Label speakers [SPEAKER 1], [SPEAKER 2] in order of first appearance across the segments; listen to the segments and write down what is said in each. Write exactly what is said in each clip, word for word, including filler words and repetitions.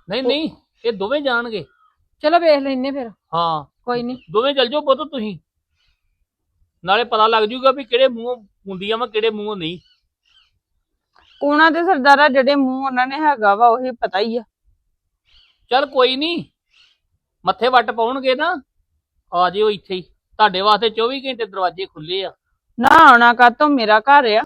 [SPEAKER 1] ਨਹੀਂ ਨਹੀਂ, ਇਹ ਦੋਵੇਂ ਜਾਣਗੇ।
[SPEAKER 2] ਚਲੋ ਵੇਖ ਲੈਨੇ ਫਿਰ।
[SPEAKER 1] ਹਾਂ
[SPEAKER 2] ਕੋਈ ਨਹੀਂ,
[SPEAKER 1] ਦੋਵੇਂ ਚੱਲ ਜਾਓ ਪੁੱਤ ਤੁਸੀਂ, ਨਾਲੇ ਪਤਾ ਲੱਗ ਜੂਗਾ ਵੀ ਕਿਹੜੇ ਮੂੰਹੋਂ ਹੁੰਦੀਆਂ ਵਾ ਕਿਹੜੇ ਮੂੰਹੋਂ ਨਹੀਂ।
[SPEAKER 2] ਉਹਨਾਂ ਦੇ ਸਰਦਾਰਾ ਜਿਹੜੇ ਮੂੰਹ ਉਹਨਾਂ ਨੇ ਹੈਗਾ ਵਾ ਉਹੀ ਪਤਾ ਹੀ ਆ।
[SPEAKER 1] ਚੱਲ ਕੋਈ ਨਹੀਂ, ਮੱਥੇ ਵੱਟ ਪਾਉਣਗੇ ਨਾ, ਆ ਜਿਓ ਇੱਥੇ ਹੀ, ਤੁਹਾਡੇ ਵਾਸਤੇ ਚੌਵੀ ਘੰਟੇ ਦਰਵਾਜ਼ੇ ਖੁੱਲੇ ਆ।
[SPEAKER 2] ਨਾ ਆਉਣਾ ਕਾਤੋਂ, ਮੇਰਾ ਘਰ ਆ।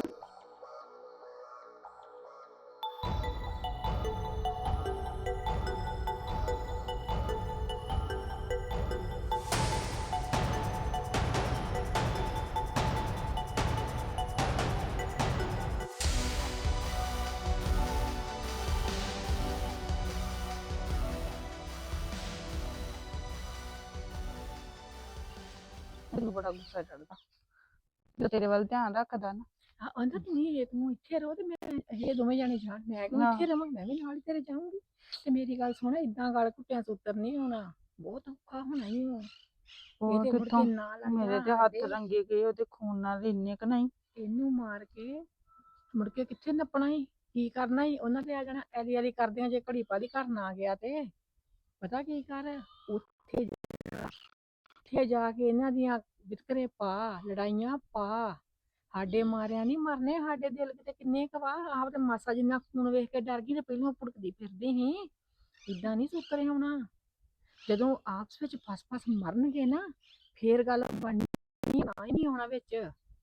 [SPEAKER 2] ਮੈਨੂੰ ਬੜਾ ਗੁੱਸਾ ਚੜਦਾ ਜੋ ਤੇਰੇ ਵੱਲ ਧਿਆਨ ਰੱਖਦਾ ਨਾ।
[SPEAKER 3] ਆਂਦਾ ਤੁਸੀਂ ਇਹ ਤੂੰ ਇੱਥੇ ਰਹੋ ਤੇ ਮੈਂ ਇਹ ਦੋਵੇਂ ਜਾਣੇ ਜਾਣ, ਮੈਂ ਕਿਉਂ
[SPEAKER 2] ਹਾਂ।
[SPEAKER 3] ਇੱਥੇ ਰਵਾਂ, ਮੈਂ ਵੀ ਨਾਲ ਹੀ ਤੇਰੇ ਜਾਊਂਗੀ। ਤੇ ਮੇਰੀ ਗੱਲ ਸੁਣ, ਏਦਾਂ ਗਲ ਘੁੱਟਿਆਂ ਤੋਂ ਉੱਤਰ ਨਹੀਂ ਹੋਣਾ, ਬਹੁਤ ਔਖਾ ਹੋਣਾ ਹੀ ਹੋ।
[SPEAKER 2] ਉਹ
[SPEAKER 3] ਇਹਦੇ ਮੁੜ
[SPEAKER 2] ਕਿੱਥੋਂ,
[SPEAKER 3] ਕੇ ਨਾਲ
[SPEAKER 2] ਮੇਰੇ ਤੇ ਹੱਥ ਰੰਗੇ ਗਏ ਉਹਦੇ ਖੂਨ ਨਾਲ ਇੰਨੇ ਕ ਨਹੀਂ।
[SPEAKER 3] ਇਹਨੂੰ ਮਾਰ ਕੇ ਮੁੜ ਕੇ ਕਿੱਥੇ ਨੱਪਣਾ ਹੀ, ਕੀ ਕਰਨਾ ਹੀ ਉਹਨਾਂ ਤੇ ਆ ਜਾਣਾ ਐਲੀ ਐਲੀ ਕਰਦਿਆਂ। ਜੇ ਘੜੀ ਪਾਦੀ ਘਰ ਨਾ ਗਿਆ ਤੇ ਪਤਾ ਕੀ ਕਰ, ਉੱਥੇ ਜਾ- ਉੱਥੇ ਜਾ ਕੇ ਇਹਨਾਂ ਦੀਆਂ ਵਿਤਕਰੇ ਪਾ, ਲੜਾਈਆਂ ਪਾ। ਸਾਡੇ ਮਾਰਿਆ ਨਹੀਂ ਮਰਨੇ, ਸਾਡੇ ਦਿਲ ਕਿਤੇ ਕਿੰਨੇ ਕਵਾ। ਆਪ ਤੇ ਮਾਸਾ ਜਿੰਨਾ ਖੂਨ ਵੇਖ ਕੇ ਡਰ ਗਈ ਤੇ ਪਹਿਲਾਂ ਭੁੜਕਦੀ ਫਿਰਦੀ ਸੀ। ਇਦਾਂ ਨਹੀਂ ਸੁਤਰੇ ਆਉਣਾ, ਜਦੋਂ ਆਪਸ ਵਿੱਚ ਫਸ ਫਸ ਮਰਨਗੇ ਨਾ ਫੇਰ ਗੱਲ ਬਣਨੀ, ਨਾ ਹੀ ਨਹੀਂ ਆਉਣਾ ਵਿੱਚ।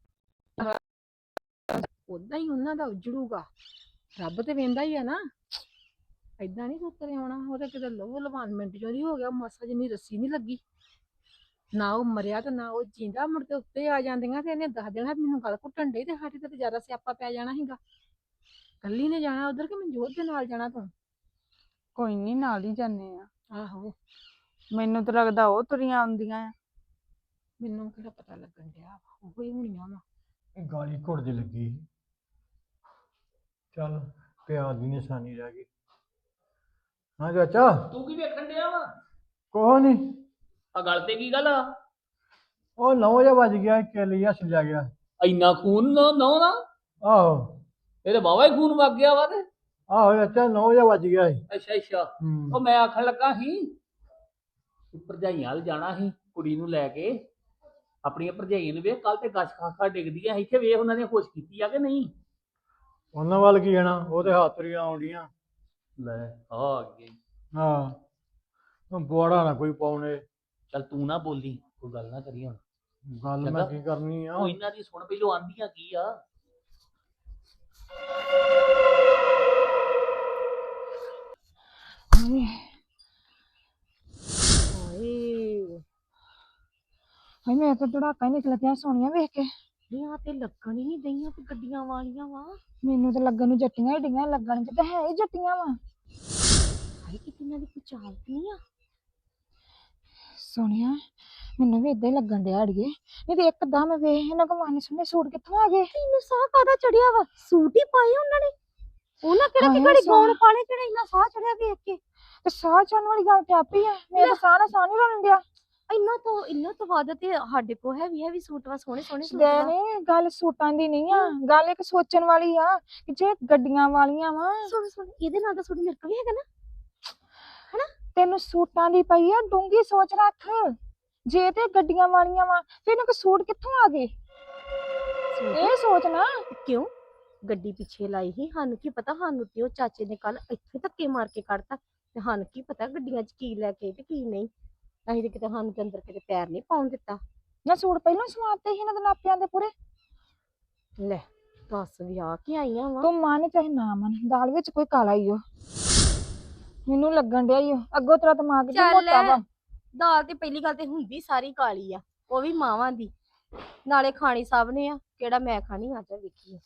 [SPEAKER 3] ਉਦਾਂ ਹੀ ਉਹਨਾਂ ਦਾ ਉਜੜੂਗਾ, ਰੱਬ ਤੇ ਵੇਂਦਾ ਹੀ ਆ ਨਾ। ਏਦਾਂ ਨਹੀਂ ਸੁਤਰੇ ਆਉਣਾ। ਉਹਦੇ ਕਿਤੇ ਲਹੂ ਲਵਾਨ ਮਿੰਟ ਚੋਂ ਦੀ ਹੋ ਗਿਆ, ਮਾਸਾ ਜਿੰਨੀ ਰੱਸੀ ਨਹੀਂ ਲੱਗੀ। ਨਾ ਉਹ ਮਰਿਆ ਤੇ ਨਾ ਉਹ ਜਿੰਦਾ। ਮੁੜ ਕੇ ਉੱਤੇ ਆ ਜਾਂਦੀਆਂ ਤੇ ਇਹਨੇ ਦੱਸ ਦੇਣਾ ਮੈਨੂੰ ਗੱਲ ਘੁੱਟਣ ਡਈ, ਤੇ ਸਾਡੇ ਤੇ ਜ਼ਿਆਦਾ ਸਿਆਪਾ ਪੈ ਜਾਣਾ ਸੀਗਾ। ਕੱਲੀ ਨੇ ਜਾਣਾ ਉਧਰ ਕਿ ਮਨਜੋਤ ਦੇ ਨਾਲ ਜਾਣਾ ਤੂੰ?
[SPEAKER 2] ਕੋਈ ਨਹੀਂ, ਨਾਲ ਹੀ ਜਾਂਦੇ ਆ।
[SPEAKER 3] ਆਹੋ,
[SPEAKER 2] ਮੈਨੂੰ ਤਾਂ ਲੱਗਦਾ ਉਹ ਤੁਰੀਆਂ ਆਉਂਦੀਆਂ ਆ।
[SPEAKER 3] ਮੈਨੂੰ ਕਿਹੜਾ ਪਤਾ ਲੱਗਣ ਡਿਆ, ਉਹ ਹੀ ਹੋਣੀਆਂ ਵਾ।
[SPEAKER 4] ਗਾਲੀ ਘੁੱਟਦੀ ਲੱਗੀ ਸੀ। ਚੱਲ ਪਿਆਰ ਦੀ ਨਿਸ਼ਾਨੀ ਰਹਿ ਗਈ। ਹਾਂ ਚਾਚਾ,
[SPEAKER 1] ਤੂੰ ਕੀ ਵੇਖਣ ਡਿਆ ਵਾ?
[SPEAKER 4] ਕੋਹ ਨਹੀਂ,
[SPEAKER 1] ਆ ਗੱਲ ਤੇ ਕੀ ਗੱਲ ਆ?
[SPEAKER 4] ਉਹ ਨੌ ਜਿਹਾ ਵੱਜ ਗਿਆ, ਕਿੱਲ ਜਿਹਾ ਛਿਲਿਆ ਗਿਆ।
[SPEAKER 1] ਇੰਨਾ ਖੂਨ ਨਾ ਨਾ ਨਾ,
[SPEAKER 4] ਆਹੋ
[SPEAKER 1] ਇਹ ਤੇ ਵਾਵਾ ਹੀ ਖੂਨ ਵਗ ਗਿਆ ਵਾ ਤੇ।
[SPEAKER 4] ਆਹੋ ਚਾਚਾ, ਨੌ ਜਿਹਾ ਵੱਜ ਗਿਆ ਸੀ।
[SPEAKER 1] ਅੱਛਾ ਅੱਛਾ,
[SPEAKER 4] ਹੂੰ।
[SPEAKER 1] ਉਹ ਮੈਂ ਆਖਣ ਲੱਗਾ ਸੀ ਭਰਜਾਈਆਂ ਵੱਲ ਜਾਣਾ ਸੀ ਕੁੜੀ ਨੂੰ ਲੈ ਕੇ, ਆਪਣੀਆਂ ਭਰਜਾਈਆਂ ਨੂੰ ਵੇਖ, ਕੱਲ ਤੇ ਗਛ ਖਾਖਾ ਡਿੱਗਦੀਆਂ ਇੱਥੇ, ਵੇਖ ਉਹਨਾਂ ਨੇ ਖੁਸ਼ ਕੀਤੀ ਆ ਕਿ ਨਹੀਂ?
[SPEAKER 4] ਉਹਨਾਂ ਵੱਲ ਕੀ ਜਾਣਾ, ਉਹ ਤੇ ਹੱਥ ਰੀਆਂ ਆਉਂਦੀਆਂ।
[SPEAKER 1] ਲੈ ਆ ਗਈ।
[SPEAKER 4] ਹਾਂ, ਉਹ ਬੋੜਾ ਨਾ ਕੋਈ ਪਾਉਣੇ।
[SPEAKER 1] ਚੱਲ ਤੂੰ ਨਾ ਬੋਲੀ, ਕੋਈ ਗੱਲ ਨਾ ਕਰੀ ਹੁਣ।
[SPEAKER 4] ਗੱਲ ਮੈਂ
[SPEAKER 1] ਚੰਗਾ।
[SPEAKER 4] ਕੀ ਕਰਨੀ ਆ।
[SPEAKER 1] ਉਹ ਇਹਨਾਂ ਦੀ ਸੁਣ ਪਹਿਲੋਂ, ਆਂਦੀਆਂ ਕੀ ਆ?
[SPEAKER 2] ਹਾਏ
[SPEAKER 3] ਓਏ
[SPEAKER 2] ਹਾਏ, ਮੇਰਾ ਤਾਂ ਧੜਾਕਾ ਹੀ ਨਿਕਲ ਗਿਆ ਸੋਹਣੀਆਂ ਵੇਖ ਕੇ।
[SPEAKER 3] ਇਹ ਆ ਤੇ ਲੱਗਣ ਹੀ ਨਹੀਂ ਦਈਆਂ ਤੇ ਗੱਡੀਆਂ ਵਾਲੀਆਂ ਵਾ।
[SPEAKER 2] ਮੈਨੂੰ ਤਾਂ ਲੱਗਣ ਨੂੰ ਜੱਟੀਆਂ ਹੀ ਡੀਆਂ, ਲੱਗਣ ਚ ਤਾਂ ਹੈ ਹੀ ਜੱਟੀਆਂ ਵਾ।
[SPEAKER 3] ਹਾਏ ਕਿਤੇ ਇਹਨਾਂ ਦੀ ਕੋਈ ਚਾਲ ਨਹੀਂ ਆ।
[SPEAKER 2] ਸੋਹਣੀਆਂ, ਮੈਨੂੰ ਵੀ ਏਦਾਂ ਹੀ ਲੱਗਣ ਡਿਆ ਅੜੀਏ। ਨਹੀਂ ਤੇ ਇੱਕਦਮ ਵੇਖ ਇਹਨਾਂ ਕੋ ਮਾਨੇ ਸੋਹਣੇ ਸੂਟ ਕਿੱਥੋਂ ਆ ਗਏ।
[SPEAKER 3] ਤੈਨੂੰ ਸਾਹ ਕਾਹਦਾ ਚੜਿਆ ਵਾ? ਸੂਟ ਹੀ ਪਾਏ ਉਹਨਾਂ ਨੇ, ਉਹਨਾਂ ਕਿਹੜਾ ਕਿ
[SPEAKER 2] ਹਾਏ
[SPEAKER 3] ਘੜੀ
[SPEAKER 2] ਸਾਹ।
[SPEAKER 3] ਗਾਉਣ ਪਾਲੇ, ਕਿਹੜਾ ਇੰਨਾ ਸਾਹ ਚੜਿਆ ਵੇਖ ਕੇ।
[SPEAKER 2] ਤੇ ਸਾਹ ਚੜਨ ਵਾਲੀ ਗੱਲ ਤੇ ਆਪੀ ਆ, ਮੇਰੇ ਤਾਂ ਸਾਹ ਨਾਲ ਸਾਹ ਨਹੀਂ ਰਲਣ ਡਿਆ।
[SPEAKER 3] ਇੰਨਾ ਤੋਂ ਇੰਨਾ ਤੋਂ ਵੱਧ ਤੇ ਸਾਡੇ ਕੋ ਹੈਵੀ ਹੈਵੀ ਸੂਟ ਵਾ, ਸੋਹਣੇ ਸੋਹਣੇ ਸੂਟ
[SPEAKER 2] ਦੇ
[SPEAKER 3] ਵਾ।
[SPEAKER 2] ਨਹੀਂ, ਗੱਲ ਸੂਟਾਂ ਦੀ ਨਹੀਂ ਆ, ਗੱਲ ਇੱਕ ਸੋਚਣ ਵਾਲੀ ਆ ਕਿ ਜੇ ਗੱਡੀਆਂ ਵਾਲੀਆਂ ਵਾ।
[SPEAKER 3] ਸੁਣ ਸੁਣ, ਇਹਦੇ ਨਾਲ ਦਾ ਸੂਟ ਮੇਰੇ ਕੋਲ ਵੀ ਹੈਗਾ ਨਾ।
[SPEAKER 2] ਤੈਨੂੰ ਸੂਟਾਂ ਦੀ ਪਈ ਆ, ਡੂੰਗੀ ਸੋਚ ਰੱਖ। ਜੇ ਤੇ ਗੱਡੀਆਂ ਵਾਲੀਆਂ ਵਾ ਫਿਰ ਇਹਨਾਂ ਕੋ ਸੂਟ ਕਿੱਥੋਂ ਆ ਗਏ, ਇਹ ਸੋਚ ਨਾ।
[SPEAKER 3] ਕਿਉਂ ਗੱਡੀ ਪਿੱਛੇ ਲਾਈ ਸੀ, ਸਾਨੂੰ ਕੀ ਪਤਾ, ਸਾਨੂੰ ਤੇ ਉਹ ਚਾਚੇ ਨੇ ਕੱਲ ਇੱਥੇ ਧੱਕੇ ਮਾਰ ਕੇ ਕੱਢਤਾ, ਤੇ ਸਾਨੂੰ ਕੀ ਪਤਾ ਗੱਡੀਆਂ 'ਚ ਕੀ ਲੈ ਕੇ ਤੇ ਕੀ ਨਹੀਂ। ਅਸੀਂ ਤੇ ਕਿਤੇ ਸਾਨੂੰ ਤੇ ਅੰਦਰ ਕਿਤੇ ਪੈਰ ਨਹੀਂ ਪਾਉਣ ਦਿੱਤਾ।
[SPEAKER 2] ਨਾ ਸੂਟ ਪਹਿਲਾਂ ਸਵਾਤੇ ਸੀ ਇਹਨਾਂ ਦੇ ਨਾਪਿਆਂ ਦੇ ਪੂਰੇ।
[SPEAKER 3] ਲੈ ਦੱਸ, ਵਿਆਹ ਕੇ ਆਈਆਂ ਵਾ।
[SPEAKER 2] ਤੂੰ ਮੰਨ ਚਾਹੇ ਨਾ ਮੰਨ, ਦਾਲ ਵਿੱਚ ਕੋਈ ਕਾਲਾ ਹੀ ਓ। ਮੈਨੂੰ ਲੱਗਣ ਡਿਆ ਈ ਓ, ਅੱਗੋਂ ਤੇਰਾ ਦਿਮਾਗ ਜੀ ਮੋਟਾ ਵਾ।
[SPEAKER 3] ਦਾਲ ਤੇ ਪਹਿਲੀ ਗੱਲ ਤੇ ਹੁੰਦੀ ਸਾਰੀ ਕਾਲੀ ਆ, ਉਹ ਵੀ ਮਾਵਾਂ ਦੀ, ਨਾਲੇ ਖਾਣੀ ਸਭ ਨੇ ਆ, ਕਿਹੜਾ ਮੈਂ ਖਾਣੀ ਆ। ਤਾਂ ਵੇਖੀਏ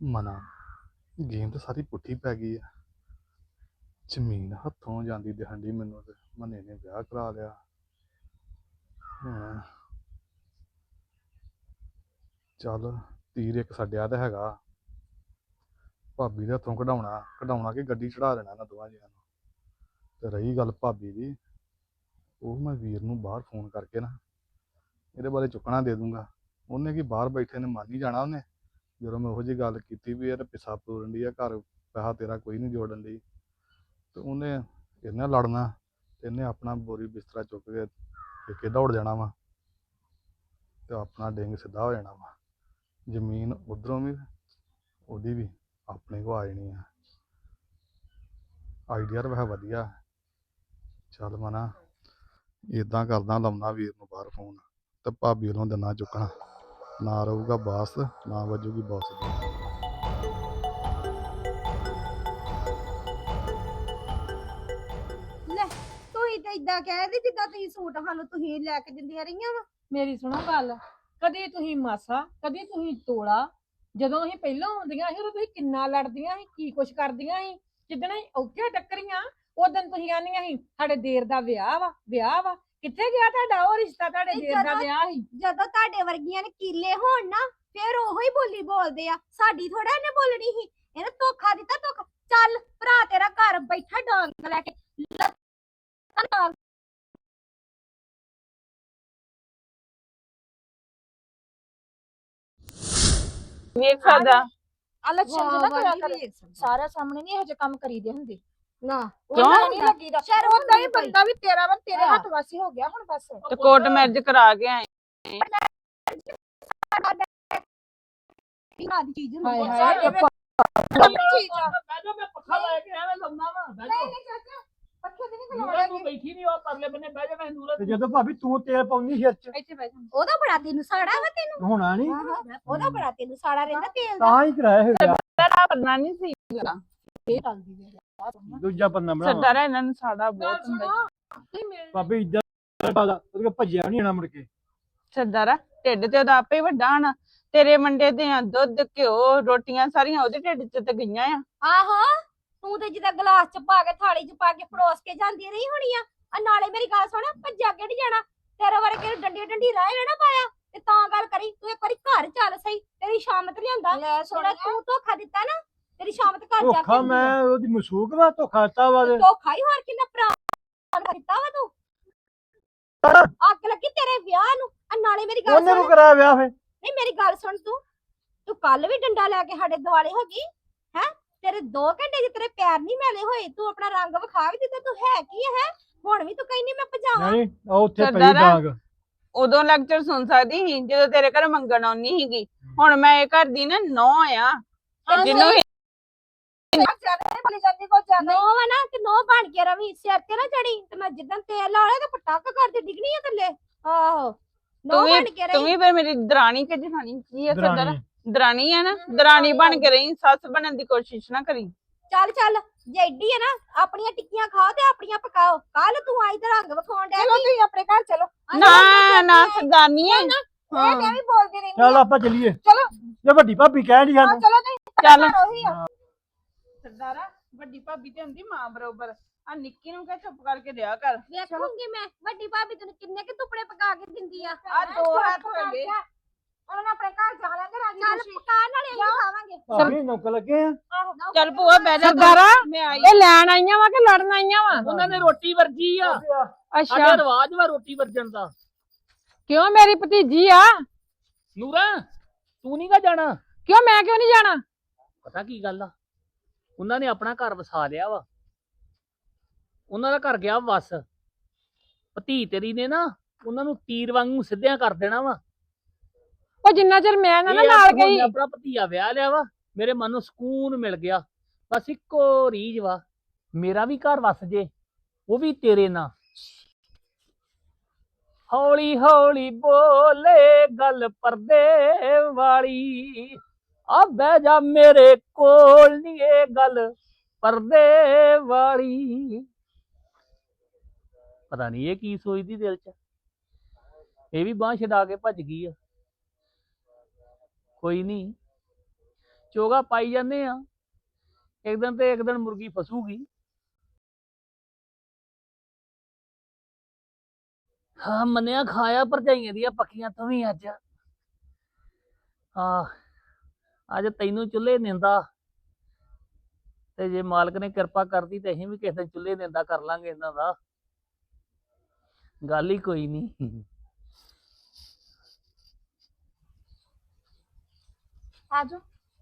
[SPEAKER 5] ਮਨਾ ਗੇਮ ਤਾਂ ਸਾਰੀ ਪੁੱਠੀ ਪੈ ਗਈ ਆ। ਜ਼ਮੀਨ ਹੱਥੋਂ ਜਾਂਦੀ ਦਿਖਣ ਡਈ ਮੈਨੂੰ ਤੇ ਮਨੇ ਨੇ ਵਿਆਹ ਕਰਾ ਲਿਆ। ਹੁਣ ਚੱਲ ਤੀਰ ਇੱਕ ਛੱਡਿਆ ਤਾਂ ਹੈਗਾ, ਭਾਬੀ ਦੇ ਹੱਥੋਂ ਕਢਾਉਣਾ ਕਢਾਉਣਾ ਕਿ ਗੱਡੀ ਚੜਾ ਦੇਣਾ ਇਹਨਾਂ ਦੋਵਾਂ ਜੀਆਂ ਨੂੰ। ਤੇ ਰਹੀ ਗੱਲ ਭਾਬੀ ਦੀ, ਉਹ ਮੈਂ ਵੀਰ ਨੂੰ ਬਾਹਰ ਫੋਨ ਕਰਕੇ ਨਾ ਇਹਦੇ ਬਾਰੇ ਚੁੱਕਣਾ ਦੇ ਦੂੰਗਾ। ਉਹਨੇ ਕੀ ਬਾਹਰ ਬੈਠੇ ਨੇ ਮੰਨ ਹੀ ਜਾਣਾ ਉਹਨੇ, ਜਦੋਂ ਮੈਂ ਉਹੋ ਜਿਹੀ ਗੱਲ ਕੀਤੀ ਵੀ ਇਹ ਪਿੱਛਾ ਤੋੜਨ ਦੀ ਆ, ਘਰ ਪੈਸਾ ਤੇਰਾ ਕੋਈ ਨਹੀਂ ਜੋੜਨ ਦੀ, ਤੇ ਉਹਨੇ ਇਹਦੇ ਨਾਲ ਲੜਨਾ ਤੇ ਇਹਨੇ ਆਪਣਾ ਬੋਰੀ ਬਿਸਤਰਾ ਚੁੱਕ ਕੇ ਪੇਕੇ ਦੌੜ ਜਾਣਾ ਵਾ ਤੇ ਆਪਣਾ ਡਿੰਗ ਸਿੱਧਾ ਹੋ ਜਾਣਾ ਵਾ। ਜ਼ਮੀਨ ਉਧਰੋਂ ਵੀ ਉਹਦੀ ਵੀ ਆਪਣੇ ਕੋ ਆ ਜਾਣੀ ਆ। ਆਈਡੀਆ ਤਾਂ ਵੈਸੇ ਵਧੀਆ। ਚੱਲ ਮਨਾ ਇੱਦਾਂ ਕਰਦਾ, ਲਾਉਣਾ ਵੀਰ ਨੂੰ ਬਾਹਰ ਫੋਨ ਤੇ ਭਾਬੀ ਵੱਲੋਂ ਦਿਨਾ ਚੁੱਕਣਾ, ਨਾ ਰਹੂਗਾ ਬਾਸ ਨਾ ਵੱਜੂਗੀ ਬਾਸ ਦੀ।
[SPEAKER 6] ਲੈ ਤੁਸੀਂ ਤਾਂ ਇਦਾਂ ਕਹਿ ਜਿੱਦਾਂ ਤੁਸੀਂ ਸੂਟ ਸਾਨੂੰ ਤੁਸੀਂ ਲੈ ਕੇ ਦਿੰਦੀਆਂ ਰਹੀਆਂ ਵਾ।
[SPEAKER 3] ਮੇਰੀ ਸੁਣੋ ਗੱਲ, ਕਦੀ ਤੁਸੀਂ ਮਾਸਾ ਕਦੀ ਤੁਸੀਂ ਤੋਲਾ। ਜਦੋਂ ਅਸੀਂ ਪਹਿਲਾਂ ਆਉਂਦੀਆਂ ਸੀ ਉਦੋਂ ਤੁਸੀਂ ਕਿੰਨਾ ਲੜਦੀਆਂ ਸੀ, ਕੀ ਕੁਛ ਕਰਦੀਆਂ ਸੀ। ਜਿੱਦਣ ਅਸੀਂ ਉੱਥੇ ਟੱਕਰੀਆਂ ਉਦੋਂ ਤੁਸੀਂ ਆਂਦੀਆਂ ਸੀ ਸਾਡੇ ਦੇਰ ਦਾ ਵਿਆਹ ਵਾ ਵਿਆਹ ਵਾ। ਕਿੱਥੇ ਗਿਆ ਤੁਹਾਡਾ ਉਹ ਰਿਸ਼ਤਾ, ਤੁਹਾਡੇ
[SPEAKER 6] ਨਹੀਂ,
[SPEAKER 3] ਦੇਰ ਦਾ
[SPEAKER 6] ਜਦੋਂ-
[SPEAKER 3] ਵਿਆਹ ਸੀ।
[SPEAKER 6] ਜਦੋਂ ਤੁਹਾਡੇ ਵਰਗੀਆਂ ਨੇ ਕੀਲੇ ਹੋਣ ਨਾ ਫਿਰ ਉਹੋ ਹੀ ਬੋਲੀ ਬੋਲਦੇ ਆ, ਸਾਡੀ ਥੋੜਾ ਇਹਨੇ ਬੋਲਣੀ ਸੀ। ਇਹਨੇ ਧੋਖਾ ਦਿੱਤਾ ਧੋਖਾ। ਚੱਲ ਭਰਾ ਤੇਰਾ ਘਰ ਬੈਠਾ ਡਾਂਗ ਲੈ ਕੇ ਲੱਤਾਂ ਨਾਲ।
[SPEAKER 2] ਵੇਖ ਸਕਦਾ ਆ ਲੱਛਣ
[SPEAKER 6] ਵਾਹ,
[SPEAKER 2] ਜਿਹੜਾ
[SPEAKER 6] ਵਾਹ,
[SPEAKER 2] ਕਰਿਆ
[SPEAKER 6] ਨਹੀਂ
[SPEAKER 2] ਕਰ,
[SPEAKER 6] ਵੇਖ ਸਕਦਾ।
[SPEAKER 2] ਸਾਰਾ ਸਾਹਮਣੇ ਨਹੀਂ ਇਹੋ ਜਿਹੇ ਕੰਮ ਕਰੀਦੇ ਹੁੰਦੇ।
[SPEAKER 6] ਨਾ
[SPEAKER 2] ਕਿਉਂ ਨਹੀਂ ਲੱਗੀਦਾ
[SPEAKER 6] ਸ਼ਰਮ
[SPEAKER 2] ਉਹਦਾ ਹੀ
[SPEAKER 6] ਨਹੀਂ ਪਈ।
[SPEAKER 2] ਬੰਦਾ ਵੀ ਤੇਰਾ ਵਾ, ਤੇਰੇ
[SPEAKER 6] ਹਾਂ।
[SPEAKER 2] ਹੱਥ ਵਾਸੀ ਹੋ ਗਿਆ ਹੁਣ ਬਸ।
[SPEAKER 7] ਤੇ ਕੋਰਟ ਮੈਰਿਜ ਕਰਾ ਕੇ ਆਏ।
[SPEAKER 6] ਨਾ ਦੀ ਚੀਜ਼ ਹੁੰਦੀ
[SPEAKER 3] ਹਾਏ
[SPEAKER 6] ਆ।
[SPEAKER 3] ਹਾਏ
[SPEAKER 2] ਸਾਡੇ ਵਿੱਚ
[SPEAKER 1] ਚੀਜ਼ ਆ ਬਹਿ ਜਾ, ਮੈਂ ਪੱਖਾ ਲੈ ਕੇ ਐਵੇਂ ਲਾਉਣਾ ਵਾ। ਬਹਿ ਜਾ,
[SPEAKER 2] ਨਹੀਂ ਚਾਚਾ ਪੱਖੇ ਤੇ ਨਹੀਂ
[SPEAKER 1] ਨੂਰਾ ਤੂੰ ਬੈਠੀ ਨਹੀਂ, ਉਹ ਪਰਲੇ ਬੰਨੇ ਬਹਿ ਜਾ। ਮੈਂ ਨੂਰਾ
[SPEAKER 4] ਤੇ ਜਦੋਂ ਭਾਬੀ ਤੂੰ ਤੇਲ ਪਾਉਂਦੀ ਸਿਰ ਚ
[SPEAKER 2] ਇੱਥੇ ਬੈਠ ਜਾ।
[SPEAKER 6] ਉਹਦਾ ਬੜਾ ਤੈਨੂੰ ਸਾੜਾ ਵਾ ਤੈਨੂੰ।
[SPEAKER 4] ਹੋਣਾ ਨਹੀਂ,
[SPEAKER 6] ਉਹਦਾ ਬੜਾ ਤੈਨੂੰ ਸਾੜਾ ਰਹਿੰਦਾ ਤੇਲ ਦਾ।
[SPEAKER 4] ਤਾਂ ਹੀ ਕਰਾਇਆ ਇਹ ਵਿਆਹ।
[SPEAKER 7] ਤੇਰਾ ਕਰਨਾ ਨਹੀਂ ਸੀ
[SPEAKER 2] ਇਹ ਗੱਲ ਦੀ ਵੇਖ।
[SPEAKER 4] ਦੂਜਾ ਬੰਦਾ ਬਣਾ
[SPEAKER 7] ਸਰਦਾਰਾ ਇਹਨਾਂ ਨੂੰ ਸਾੜਾ ਬਹੁਤ ਹੁੰਦਾ ਈ।
[SPEAKER 3] ਨਹੀਂ ਮੇਰੇ
[SPEAKER 4] ਭਾਬੀ ਇੱਦਾਂ ਪਾਦਾ ਉਹਦੇ ਕੋਲ ਭੱਜਿਆ ਨਹੀਂ ਆਣਾ ਮੁੜ ਕੇ।
[SPEAKER 7] ਸਰਦਾਰਾ ਢਿੱਡ ਤੇ ਉਹਦਾ ਆਪੇ ਹੀ ਵੱਡਾ ਹੋਣਾ। ਤੇਰੇ ਮੰਡੇ ਦੇ ਆ ਦੁੱਧ ਘਿਓ ਰੋਟੀਆਂ ਸਾਰੀਆਂ ਉਹਦੇ ਢਿੱਡ ਚ ਤੇ ਗਈਆਂ ਆ।
[SPEAKER 6] ਆਹੋ ਤੂੰ ਤੇ ਜਿੱਦਾਂ ਗਲਾਸ ਚ ਪਾ ਕੇ ਥਾਲੀ ਚ ਪਾ ਕੇ ਪਰੋਸ ਕੇ ਜਾਂਦੀ ਰਹੀ ਹੋਣੀ ਆ। ਆ ਨਾਲੇ ਮੇਰੀ ਗੱਲ ਸੁਣ, ਭੱਜਾ ਕਿਹੜੀ ਜਾਣਾ, ਤੇਰੇ ਵਰਗੇ ਨੂੰ ਡੰਡੀ ਡੰਡੀ ਰਾਹ ਨਾ ਪਾਇਆ ਤੇ ਤਾਂ ਗੱਲ ਕਰੀ। ਤੂੰ ਇੱਕ ਵਾਰੀ ਘਰ ਚੱਲ ਸਹੀ, ਤੇਰੀ ਸ਼ਾਮਤ ਲਿਆਂਦਾ।
[SPEAKER 2] ਲੈ
[SPEAKER 6] ਜਿਹੜਾ
[SPEAKER 2] ਸੋਹਣਾ
[SPEAKER 6] ਤੂੰ ਧੋਖਾ ਦਿੱਤਾ ਨਾ, ਤੇਰੀ ਸ਼ਾਮਤ ਘਰ ਜਾ
[SPEAKER 4] ਧੋਖਾ
[SPEAKER 6] ਕੇ
[SPEAKER 4] ਮੈਂ ਉਹਦੀ ਮਸੂਕ ਵਾ, ਧੋਖਾ ਦਿੱਤਾ ਵਾ ਤੇ
[SPEAKER 6] ਧੋਖਾ ਹੀ ਹੋਰ ਕਿੰਨਾ ਭਰਾ ਦਿੱਤਾ ਵਾ ਤੂੰ। ਅੱਗ ਲੱਗੀ ਤੇਰੇ ਵਿਆਹ ਨੂੰ। ਆ ਨਾਲੇ ਮੇਰੀ ਗੱਲ
[SPEAKER 4] ਉਹਨੇ
[SPEAKER 6] ਸੁਣ,
[SPEAKER 4] ਨੂੰ ਕਰਾਇਆ ਵਿਆਹ ਫੇ।
[SPEAKER 6] ਨਹੀਂ ਮੇਰੀ ਗੱਲ ਸੁਣ, ਤੂੰ ਤੂੰ ਕੱਲ ਵੀ ਡੰਡਾ ਲੈ ਕੇ ਸਾਡੇ ਦੁਆਲੇ ਹੋ ਗਈ ਹੈ। ਤੇਰੇ ਦੋ ਘੰਟੇ ਚ ਤੇਰੇ ਪੈਰ ਨਹੀਂ ਮੈਲੇ ਹੋਏ, ਤੂੰ ਆਪਣਾ ਰੰਗ ਵਿਖਾ ਵੀ ਦਿੱਤਾ। ਤੂੰ ਹੈ ਕੀ ਹੈ ਹੁਣ ਵੀ ਤੂੰ ਕਹਿੰਦੀ ਮੈਂ ਭਜਾਵਾਂ।
[SPEAKER 4] ਨਹੀਂ ਉਹ ਉੱਥੇ ਪਈ
[SPEAKER 7] ਸਰਦਾਰਾ।
[SPEAKER 4] ਡਾਂਗ।
[SPEAKER 7] ਉਦੋਂ ਲੈਕਚਰ ਸੁਣ ਸਕਦੀ ਸੀ ਜਦੋਂ ਤੇਰੇ ਘਰ ਮੰਗਣ ਆਉਣੀ ਸੀਗੀ। ਹੁਣ ਮੈਂ ਇਹ ਘਰ ਦੀ ਨਾ ਨੌ ਆ ਤੇ ਜਿਹਨੂੰ
[SPEAKER 2] ਬੋਲੀ ਜਾਂਦੀ ਕੋ ਜ਼ਿਆਦਾ
[SPEAKER 6] ਨੋ ਵਾ ਨਾ ਤੇ ਨੋ ਬਣ ਕੇ ਰਵੀ, ਸਿਰ ਤੇ ਨਾ ਚੜੀ ਤੇ ਮੈਂ ਜਿੱਦਣ ਤੇਲ ਲਾ ਲਿਆ ਤੇ ਪਟਾਕ ਕਰਦੇ ਡਿੱਗਣੀ ਆ ਥੱਲੇ। ਆਹੋ ਨੋ
[SPEAKER 7] ਤੂੰ ਵੀ
[SPEAKER 6] ਬਣ ਕੇ
[SPEAKER 7] ਤੂੰ
[SPEAKER 6] ਰਹੀ।
[SPEAKER 7] ਵੀ ਫਿਰ ਮੇਰੀ ਦਰਾਣੀ ਕਿ ਜਠਾਣੀ ਕੀ ਆ ਸਰਦਾਰਾ?
[SPEAKER 4] ਦਰਾਣੀ।
[SPEAKER 7] ਦਰਾਣੀ ਆ ਨਾ, ਦਰਾਣੀ ਬਣ ਕੇ ਰਹੀ, ਸੱਸ ਬਣਨ ਦੀ ਕੋਸ਼ਿਸ਼ ਨਾ ਕਰੀ।
[SPEAKER 6] ਚੱਲ ਚੱਲ ਜੇ ਏਡੀ ਹੈ ਨਾ, ਆਪਣੀਆਂ ਟਿੱਕੀਆਂ ਖਾਓ ਤੇ ਆਪਣੀਆਂ ਪਕਾਓ। ਕੱਲ ਤੂੰ ਆਈ ਤੇ ਰੰਗ ਵਿਖਾਉਣ ਡਿਆ
[SPEAKER 2] ਚਲੋ
[SPEAKER 6] ਸੀ।
[SPEAKER 2] ਤੁਸੀਂ ਆਪਣੇ ਘਰ ਚਲੋ।
[SPEAKER 7] ਨਾ ਨਾ ਸਰਦਾਰਨੀ ਆ।
[SPEAKER 2] ਇਹ ਮੈਂ ਵੀ ਬੋਲਦੀ ਰਹਿੰਦੀ
[SPEAKER 4] ਚੱਲ
[SPEAKER 2] ਆ।
[SPEAKER 4] ਆਪਾਂ ਚੱਲੀਏ।
[SPEAKER 2] ਚਲੋ।
[SPEAKER 4] ਜੇ ਵੱਡੀ ਭਾਬੀ ਕਹਿ ਰਹੀ
[SPEAKER 2] ਹਾਂ,
[SPEAKER 4] ਸਾਨੂੰ
[SPEAKER 2] ਚਲੋ ਤੁਸੀਂ
[SPEAKER 7] ਚੱਲ
[SPEAKER 2] ਘਰ ਉਹੀ ਆ।
[SPEAKER 7] ਸਰਦਾਰਾ ਵੱਡੀ ਭਾਬੀ ਤੇ ਹੁੰਦੀ ਮਾਂ ਬਰੋਬਰ। ਆ ਨਿੱਕੀ ਨੂੰ ਕਹ ਚੁੱਪ ਕਰਕੇ ਰਿਹਾ ਕਰ।
[SPEAKER 6] ਵੇਖੂੰਗੀ ਮੈਂ ਵੱਡੀ ਭਾਬੀ ਤੈਨੂੰ ਕਿੰਨੇ ਕਿ ਟੁਕੜੇ ਪਕਾ ਕੇ ਦਿੰਦੀ ਆ।
[SPEAKER 7] ਆ ਦੋ ਹੱਥ ਹੋ ਗਏ।
[SPEAKER 2] ਉਹਨਾਂ ਨੇ ਆਪਣੇ ਘਰ ਜਾ ਲੈਂਦੇ ਰਾਜੀ
[SPEAKER 6] ਚੱਲ
[SPEAKER 2] ਖੁਸ਼ੀ।
[SPEAKER 6] ਪਕਾਉਣ ਵਾਲੇ ਅਸੀਂ ਖਾਵਾਂਗੇ।
[SPEAKER 4] ਭਾਬੀ ਨੌਕ ਲੱਗੇ ਆ।
[SPEAKER 7] ਚੱਲ ਭੂਆ ਬਹਿ ਜਾ।
[SPEAKER 3] ਸਰਦਾਰਾ
[SPEAKER 7] ਮੈਂ ਆਈ।
[SPEAKER 3] ਇਹ ਲੈਣ ਆਈਆਂ ਵਾ ਕਿ ਲੜਨ ਆਈਆਂ ਵਾ?
[SPEAKER 1] ਉਹਨਾਂ ਨੇ ਰੋਟੀ ਵਰਜੀ ਆ। ਸਾਡੇ
[SPEAKER 3] ਅੱਛਾ
[SPEAKER 1] ਰਿਵਾਜ ਵਾ ਰੋਟੀ ਵਰਜਣ ਦਾ।
[SPEAKER 3] ਕਿਉਂ ਮੇਰੀ ਭਤੀਜੀ ਆ?
[SPEAKER 1] ਨੂਰਾ ਤੂੰ ਨਹੀਂ ਗਾ ਜਾਣਾ?
[SPEAKER 3] ਕਿਉਂ ਮੈਂ ਕਿਉਂ ਨਹੀਂ ਜਾਣਾ?
[SPEAKER 1] ਪਤਾ ਕੀ ਗੱਲ ਆ, ਉਹਨਾਂ ਨੇ ਆਪਣਾ ਘਰ ਵਸਾ ਲਿਆ ਵਾ। ਉਹਨਾਂ ਦਾ ਘਰ ਗਿਆ ਵਸ। ਭਤੀ ਤੇਰੀ ਨੇ ਨਾ ਉਹਨਾਂ ਨੂੰ ਤੀਰ ਵਾਂਗੂ ਸਿੱਧਿਆਂ ਕਰ ਦੇਣਾ ਵਾ।
[SPEAKER 3] ਉਹ ਜਿੰਨਾ ਚਿਰ ਮੈਂ ਨਾ ਨਾ
[SPEAKER 1] ਇਹ ਆ
[SPEAKER 3] ਨਾਲ
[SPEAKER 1] ਕਿ ਹੁਣ
[SPEAKER 3] ਗਈ
[SPEAKER 1] ਮੈਂ ਆਪਣਾ ਭਤੀਆ ਵਿਆਹ ਲਿਆ ਵਾ, ਮੇਰੇ ਮਨ ਨੂੰ ਸਕੂਨ ਮਿਲ ਗਿਆ। ਬਸ ਇੱਕੋ ਰੀਝ ਵਾ, ਮੇਰਾ ਵੀ ਘਰ ਵਸ ਜੇ, ਉਹ ਵੀ ਤੇਰੇ ਨਾਲ। ਹੌਲੀ ਹੌਲੀ ਬੋਲੇ ਗੱਲ ਪਰਦੇ ਵਾਲੀ, ਆ ਬਹਿ ਜਾ ਮੇਰੇ ਕੋਲ ਨੀ ਇਹ ਗੱਲ ਪਰਦੇ ਵਾਲੀ। ਪਤਾ ਨਹੀਂ ਇਹ ਕੀ ਸੋਚਦੀ ਦਿਲ ਚ। ਇਹ ਵੀ ਬਾਂਹ ਛਡਾ ਕੇ ਭੱਜ ਗਈ ਆ। ਕੋਈ ਨਹੀਂ, ਚੋਗਾ ਪਾਈ ਜਾਂਦੇ ਆ, ਇੱਕ ਦਿਨ ਤੇ ਇੱਕ ਦਿਨ ਮੁਰਗੀ ਫਸੂਗੀ। ਹਾਂ ਮੰਨਿਆ ਖਾਇਆ ਭਰਜਾਈਆਂ ਦੀਆਂ ਪੱਕੀਆਂ ਤੂੰ ਵੀ ਅੱਜ। ਹਾਂ ਅੱਜ ਤੈਨੂੰ ਚੁੱਲ੍ਹੇ ਨਿੰਦਾ, ਤੇ ਜੇ ਮਾਲਕ ਨੇ ਕਿਰਪਾ ਕਰਦੀ ਤੇ ਅਸੀਂ ਵੀ ਕਿਸੇ ਦਿਨ ਚੁੱਲ੍ਹੇ ਨਿੰਦਾ ਕਰ ਲਾਂਗੇ ਇਹਨਾਂ ਦਾ, ਗੱਲ ਹੀ ਕੋਈ ਨਹੀਂ।
[SPEAKER 2] ਆਜੋ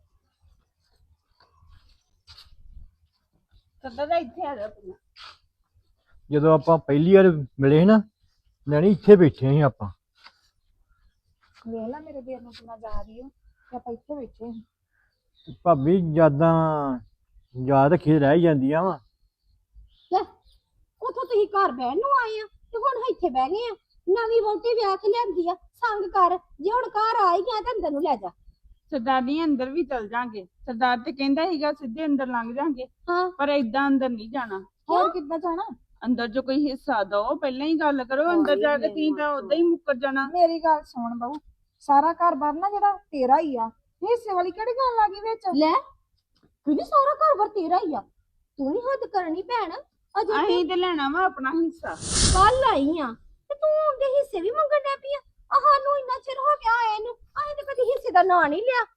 [SPEAKER 7] ਸਦਾ ਦਾ ਇੱਥੇ ਆ ਜਾ ਤੂੰ।
[SPEAKER 4] ਜਦੋਂ ਆਪਾਂ ਪਹਿਲੀ ਵਾਰ ਮਿਲੇ ਸੀ ਨਾ ਲੈਣੀ, ਇੱਥੇ ਬੈਠੇ ਸੀ ਆਪਾਂ।
[SPEAKER 2] ਵੇਖ ਲੈ ਮੇਰੇ ਦੇਰ ਨੂੰ ਕਿੰਨਾ ਜਾ ਰਹੀ ਹੋ ਤੇ ਆਪਾਂ ਇੱਥੇ ਬੈਠੇ ਹਾਂ।
[SPEAKER 4] ਤੇ ਭਾਬੀ ਯਾਦਾਂ ਯਾਦ ਰੱਖੀ ਰਹਿ ਹੀ ਜਾਂਦੀਆਂ ਵਾ।
[SPEAKER 6] ਉਥੋਂ ਤੁਸੀਂ ਘਰ ਬਹਿਣ ਨੂੰ ਆਏ ਆ ਤੇ ਹੁਣ ਇੱਥੇ ਬਹਿ ਗਏ ਆ। ਨਵੀਂ ਵਹੁਟੀ ਵਿਆਹ ਕੇ ਲਿਆਂਦੀ ਆ, ਸੰਗ ਕਰ। ਜੇ ਹੁਣ ਘਰ ਆ ਹੀ ਗਿਆ ਤਾਂ ਅੰਦਰ ਨੂੰ ਲੈ ਜਾ।
[SPEAKER 7] ਸਰਦਾਰ ਜੀ ਅੰਦਰ ਵੀ ਚਲ ਜਾਾਂਗੇ। ਸਰਦਾਰ ਤੇ ਕਹਿੰਦਾ ਸੀਗਾ ਸਿੱਧੇ ਅੰਦਰ ਲੰਘ ਜਾਾਂਗੇ,
[SPEAKER 6] ਹਾਂ
[SPEAKER 7] ਪਰ ਏਦਾਂ ਅੰਦਰ ਨਹੀਂ ਜਾਣਾ।
[SPEAKER 2] ਹੋਰ ਕਿੱਦਾਂ ਜਾਣਾ?
[SPEAKER 7] ਅੰਦਰ ਜੋ ਕੋਈ ਹਿੱਸਾ ਦੋ, ਪਹਿਲਾਂ ਹੀ ਗੱਲ ਕਰੋ। ਅੰਦਰ ਜਾ ਕੇ ਤੀ ਤਾਂ ਉਦਾਂ ਹੀ ਮੁੱਕਰ ਜਾਣਾ।
[SPEAKER 2] ਮੇਰੀ ਗੱਲ ਸੁਣ ਬਹੂ, ਸਾਰਾ ਘਰ ਬਾਰ ਨਾ ਜਿਹੜਾ ਤੇਰਾ ਹੀ ਆ, ਹਿੱਸੇ ਵਾਲੀ ਕਿਹੜੀ ਗੱਲ ਆ ਗਈ ਵਿੱਚ?
[SPEAKER 6] ਲੈ ਕਿਹਦੀ ਸਾਰਾ ਘਰ ਵਰ ਤੇਰਾ ਹੀ ਆ? ਤੂੰ ਵੀ ਹੱਦ ਕਰਨੀ ਭੈਣ। ਅਜੇ
[SPEAKER 7] ਅਸੀਂ ਤੇ ਲੈਣਾ ਵਾ ਆਪਣਾ ਹਿੱਸਾ।
[SPEAKER 6] ਕੱਲ ਆਈ ਆ ਤੇ ਤੂੰ ਉਹਦੇ ਹਿੱਸੇ ਵੀ ਮੰਗਣ ਡੈ ਪਈ ਆ। ਆ ਸਾਨੂੰ ਇੰਨਾ ਚਿਰ ਹੋ ਗਿਆ ਆਏ ਨੂੰ, ਅਸੀਂ ਤੇ ਕਦੀ ਹਿੱਸੇ ਦਾ ਨਾਂ ਨਹੀਂ ਲਿਆ।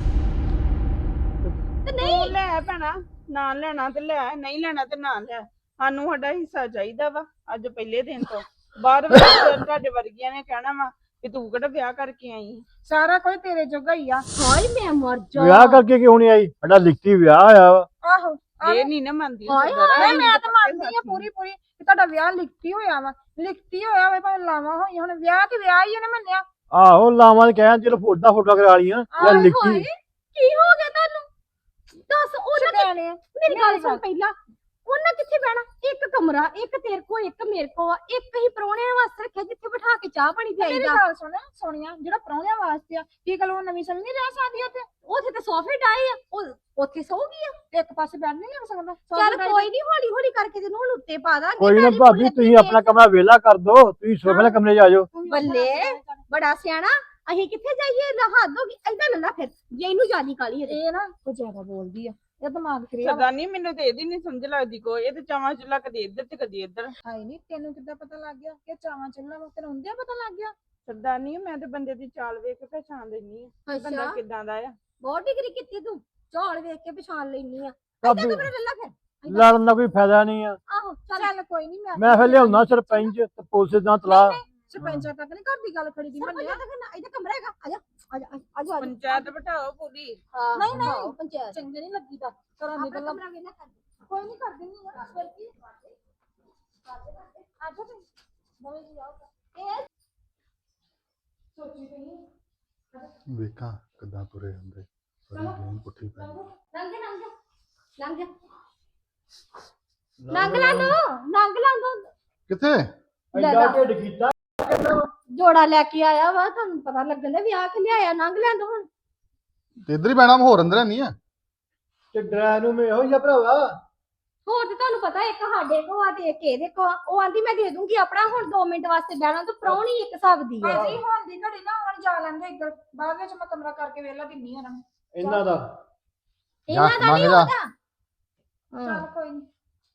[SPEAKER 6] ਤੇ ਨਹੀਂ
[SPEAKER 7] ਤੂੰ ਲੈ ਭੈਣਾ, ਨਾ ਲੈਣਾ ਤੇ ਲੈ, ਨਹੀਂ ਲੈਣਾ ਤੇ ਨਾ ਲੈ। ਸਾਨੂੰ ਸਾਡਾ ਹਿੱਸਾ ਚਾਹੀਦਾ ਵਾ ਅੱਜ ਪਹਿਲੇ ਦਿਨ ਤੋਂ। ਬਾਅਦ ਵਿੱਚ ਤੁਹਾਡੇ ਵਰਗੀਆਂ ਨੇ ਕਹਿਣਾ ਵਾ ਕਿ ਤੂੰ ਕਿਹੜਾ ਵਿਆਹ ਕਰਕੇ ਆਈ।
[SPEAKER 2] ਸਾਰਾ ਕੋਈ ਤੇਰੇ ਜੋਗਾ ਹੀ ਆ।
[SPEAKER 6] ਹਾਏ ਮੈਂ ਮਰ ਜਾ।
[SPEAKER 4] ਵਿਆਹ ਕਰਕੇ ਕਿਉਂ ਨਹੀਂ ਆਈ? ਸਾਡਾ ਲਿਖਤੀ ਵਿਆਹ ਹੋਇਆ ਵਾ।
[SPEAKER 2] ਆਹੋ
[SPEAKER 7] ਇਹ ਨਹੀਂ ਨਾ ਮੰਨਦੀ
[SPEAKER 6] ਹਾਏ
[SPEAKER 7] ਸਰਦਾਰਾ।
[SPEAKER 2] ਨਹੀਂ
[SPEAKER 7] ਅਸੀਂ
[SPEAKER 2] ਮੈਂ ਤਾਂ
[SPEAKER 7] ਪੱਕੇ
[SPEAKER 2] ਮੰਨਦੀ ਆ
[SPEAKER 7] ਸਾਥੀ।
[SPEAKER 2] ਪੂਰੀ ਪੂਰੀ ਕਿ ਤੁਹਾਡਾ ਵਿਆਹ ਲਿਖਤੀ ਹੋਇਆ ਵਾ। ਲਿਖਤੀ ਹੋਇਆ ਵਾ ਭਾਵੇਂ ਲਾਵਾਂ ਹੋਈਆਂ, ਹੁਣ ਵਿਆਹ ਤੇ ਵਿਆਹ ਹੀ ਉਹਨੇ ਮੰਨਿਆ।
[SPEAKER 4] ਆਹੋ ਲਾਵਾਂ ਤੇ ਕਹਿਆ ਚਲੋ ਫੋਟਾ ਫੋਟਾ ਕਰਾ ਲੀਆਂ ਜਾਂ
[SPEAKER 6] ਹਾਏ
[SPEAKER 4] ਲਿਖਤੀ।
[SPEAKER 6] ਹਾਏ ਕੀ ਹੋ ਗਿਆ ਤੁਹਾਨੂੰ? ਦੱਸ ਉਹਨਾਂ ਕਿ-
[SPEAKER 2] ਸਿਆਣੇ
[SPEAKER 6] ਮੇਰੀ ਗੱਲ ਸੁਣ ਪਹਿਲਾਂ। ਉਹਨਾਂ ਕਿੱਥੇ ਬਹਿਣਾ? ਇੱਕ ਕਮਰਾ, ਇੱਕ ਤੇਰੇ ਕੋ, ਇੱਕ ਮੇਰੇ ਕੋ, ਇੱਕ ਹੀ ਪ੍ਰਾਹੁਣਿਆਂ ਵਾਸਤੇ ਰੱਖਿਆ ਜਿੱਥੇ ਬਿਠਾ ਕੇ ਚਾਹ ਪਾਣੀ
[SPEAKER 2] ਮੇਰੀ
[SPEAKER 6] ਪਿਆਈਦਾ।
[SPEAKER 2] ਗੱਲ ਸੁਣ ਸੋਨੀਆ, ਜਿਹੜਾ ਪ੍ਰਾਹੁਣਿਆਂ ਵਾਸਤੇ ਆ, ਕੀ ਗੱਲ ਉਹ ਨਵੀਂ ਸਮਝ ਨਹੀਂ ਰਹਿ ਸਕਦੀ ਉੱਥੇ?
[SPEAKER 6] ਉੱਥੇ ਤੇ ਸੋਫੇ ਡਾਏ ਆ, ਉਹ ਉੱਥੇ ਸੌਗੀ ਆ।
[SPEAKER 2] ਇੱਕ ਪਾਸੇ ਬੈਠ ਨਹੀਂ ਲੱਗ ਸਕਦਾ?
[SPEAKER 6] ਚੱਲ ਕੋਈ ਨਹੀਂ, ਹੌਲੀ ਹੌਲੀ ਕਰਕੇ ਤੈਨੂੰ ਹੁਣ ਉੱਤੇ ਪਾ ਦਾਂਗੇ।
[SPEAKER 4] ਕੋਈ ਨਾ
[SPEAKER 6] ਨਾਲੇ
[SPEAKER 4] ਭਾਬੀ,
[SPEAKER 6] ਮੁੰਡੇ
[SPEAKER 4] ਤੁਸੀਂ
[SPEAKER 6] ਤੇ
[SPEAKER 4] ਆਪਣਾ ਕਮਰਾ ਵਿਹਲਾ ਕਰ ਦੋ, ਤੁਸੀਂ ਸੋਫੇ ਵਾਲੇ ਕਮਰੇ 'ਚ ਆ ਜਾਓ।
[SPEAKER 6] ਬੱਲੇ ਬੜਾ ਸਿਆਣਾ। ਅਸੀਂ ਕਿੱਥੇ ਜਾਈਏ? ਲਾ ਹੱਦ ਹੋ ਗਈ। ਏਦਾਂ ਲੱਲਾ ਫਿਰ ਜੇ ਇਹਨੂੰ ਜਿਆਦੀ ਕਾਲੀ ਹੈ।
[SPEAKER 2] ਇਹ ਨਾ ਕੋਈ ਜ਼ਿਆਦਾ ਬੋਲਦੀ ਆ, ਇਹ ਦਿਮਾਗ ਖਰੀਆ
[SPEAKER 7] ਸਰਦਾਰਨੀ ਮੈਨੂੰ ਤੇ ਇਹਦੀ ਨਹੀਂ ਸਮਝ ਲੱਗਦੀ ਕੋਈ। ਇਹ ਤੇ ਚਾਵਾਂ ਚੁੱਲਾ ਕਦੀ ਇੱਧਰ ਤੇ ਕਦੀ ਇੱਧਰ।
[SPEAKER 2] ਹਾਈ ਨਹੀਂ, ਤੈਨੂੰ ਕਿੱਦਾਂ ਪਤਾ ਲੱਗ ਗਿਆ ਕਿ ਚਾਵਾਂ ਚੱਲਣਾ ਵਾ? ਤੈਨੂੰ ਹੁੰਦਿਆ ਪਤਾ ਲੱਗ ਗਿਆ?
[SPEAKER 7] ਸਰਦਾਰਨੀ ਮੈਂ ਤੇ ਬੰਦੇ ਦੀ ਚਾਲ ਵੇਖ ਕੇ ਪਛਾਣ ਲੈਣੀ ਆ ਬੰਦਾ
[SPEAKER 6] ਅੱਛਾ
[SPEAKER 7] ਕਿੱਦਾਂ ਦਾ ਆ।
[SPEAKER 6] ਬਹੁਤ ਡਿਗਰੀ ਕੀਤੀ ਤੂੰ, ਝਾਲ ਵੇਖ ਕੇ ਪਛਾਣ ਲੈਣੀ ਆ।
[SPEAKER 4] ਭਾਬੀ
[SPEAKER 6] ਏਦਾਂ ਕਮਰਾ ਲੱਲਾ ਫਿਰ।
[SPEAKER 4] ਲੜਨ ਦਾ ਕੋਈ ਫਾਇਦਾ ਨਹੀਂ ਆ।
[SPEAKER 6] ਆਹੋ ਚੱਲ।
[SPEAKER 2] ਚੱਲ ਕੋਈ ਨਹੀਂ, ਮੈਂ
[SPEAKER 4] ਮੈਂ ਫਿਰ ਲਿਆਉਣਾ ਸਰਪੰਚ ਤੇ ਪੁਲਿਸ ਦਾ ਤਲਾ।
[SPEAKER 2] ਸਰਪੰਚਾਂ ਤੱਕ ਨਹੀਂ ਘਰ ਦੀ ਗੱਲ ਖੜੀ ਦੀ ਮੰਨਿਆ।
[SPEAKER 6] ਇਹਦਾ ਕਮਰਾ ਹੈਗਾ। ਆਜਾ ਆਜਾ ਆਜਾ ਆਜਾ।
[SPEAKER 7] ਪੰਚਾਇਤ ਬਿਠਾਓ ਪੂਰੀ।
[SPEAKER 6] ਹਾਂ,
[SPEAKER 2] ਨਹੀਂ, ਨਹੀਂ।
[SPEAKER 6] ਹਾਂ, ਪੰਚਾਇਤ
[SPEAKER 2] ਚੰਗੇ ਨਹੀਂ ਲੱਗੀ ਤਾਂ ਘਰਾਂ ਦੀ
[SPEAKER 6] ਆਪਣਾ
[SPEAKER 2] ਗੱਲਾਂ
[SPEAKER 6] ਕਮਰਾ ਵੇਲਾ ਕਰ।
[SPEAKER 2] ਕੋਈ ਨਹੀਂ ਕਰ ਦਿੰਦੀ ਆ। ਫਿਰ ਕੀ ਆਜੋ ਤੇ ਨਵੇਂ ਜੀ ਆਓ।
[SPEAKER 6] ਇਹ
[SPEAKER 2] ਸੋਚੀ ਪਈ
[SPEAKER 5] ਵੇਖਾਂ ਕਿੱਦਾਂ ਤੁਰੇ ਹੁੰਦੇ, ਸਾਰੀ ਗੇਮ ਪੁੱਠੀ ਪੈ ਗਈ।
[SPEAKER 6] ਲੰਘ ਜਾ ਲੰਘ ਜਾ ਲੰਘ ਜਾ ਲੰਘ ਲਾ ਦੋ ਲੰਘ ਲਾ ਦੋ।
[SPEAKER 5] ਕਿੱਥੇ?
[SPEAKER 6] ਲੈ
[SPEAKER 4] ਐਡਾ
[SPEAKER 6] ਲਾ।
[SPEAKER 4] ਢਿੱਡ ਕੀਤਾ।
[SPEAKER 6] ਜੋੜਾ ਲੈ ਕੇ ਆਇਆ ਵਾ, ਤੁਹਾਨੂੰ ਪਤਾ ਲੱਗਣ ਦਾ ਵਿਆਹ ਕੇ ਲਿਆਇਆ। ਲੰਘ ਲੈਂਦਾ ਹੁਣ।
[SPEAKER 5] ਤੇ ਇੱਧਰ ਹੀ ਬਹਿਣਾ, ਹੋਰ ਅੰਦਰ ਨਹੀਂ ਆ।
[SPEAKER 4] ਤੇ ਡਰਾ ਨੂੰ ਮੈਂ ਇਹੋ ਜਿਹਾ ਭਰਾਵਾ।
[SPEAKER 6] ਹੋਰ ਤੇ ਤੁਹਾਨੂੰ ਪਤਾ ਇੱਕ ਸਾਡੇ ਕੋ ਆ ਤੇ ਇੱਕ ਇਹਦੇ ਕੋ ਆ। ਉਹ ਆਂਦੀ ਮੈਂ ਦੇ ਦੂੰਗੀ ਆਪਣਾ। ਹੁਣ ਦੋ ਮਿੰਟ ਵਾਸਤੇ ਬਹਿਣਾ ਤਾਂ ਪ੍ਰਾਹੁਣੀ ਇੱਕ ਹਿਸਾਬ ਦੀ ਆ।
[SPEAKER 2] ਭਾਜੀ ਹੁਣ ਦੀ ਘੜੀ ਨਾ ਆਉਣ ਜਾ ਲੈਂਦੇ ਇੱਧਰ, ਬਾਅਦ ਵਿੱਚ ਮੈਂ ਕਮਰਾ ਕਰਕੇ ਵੇਲਾ ਦਿੰਨੀ ਆ ਨਾ।
[SPEAKER 4] ਇਹਨਾਂ ਦਾ
[SPEAKER 6] ਇਹਨਾਂ ਦਾ ਨਹੀਂ
[SPEAKER 5] ਲੰਘ ਜਾ।
[SPEAKER 6] ਹੋਦਾ।
[SPEAKER 2] ਚੱਲ ਕੋਈ ਨਹੀਂ।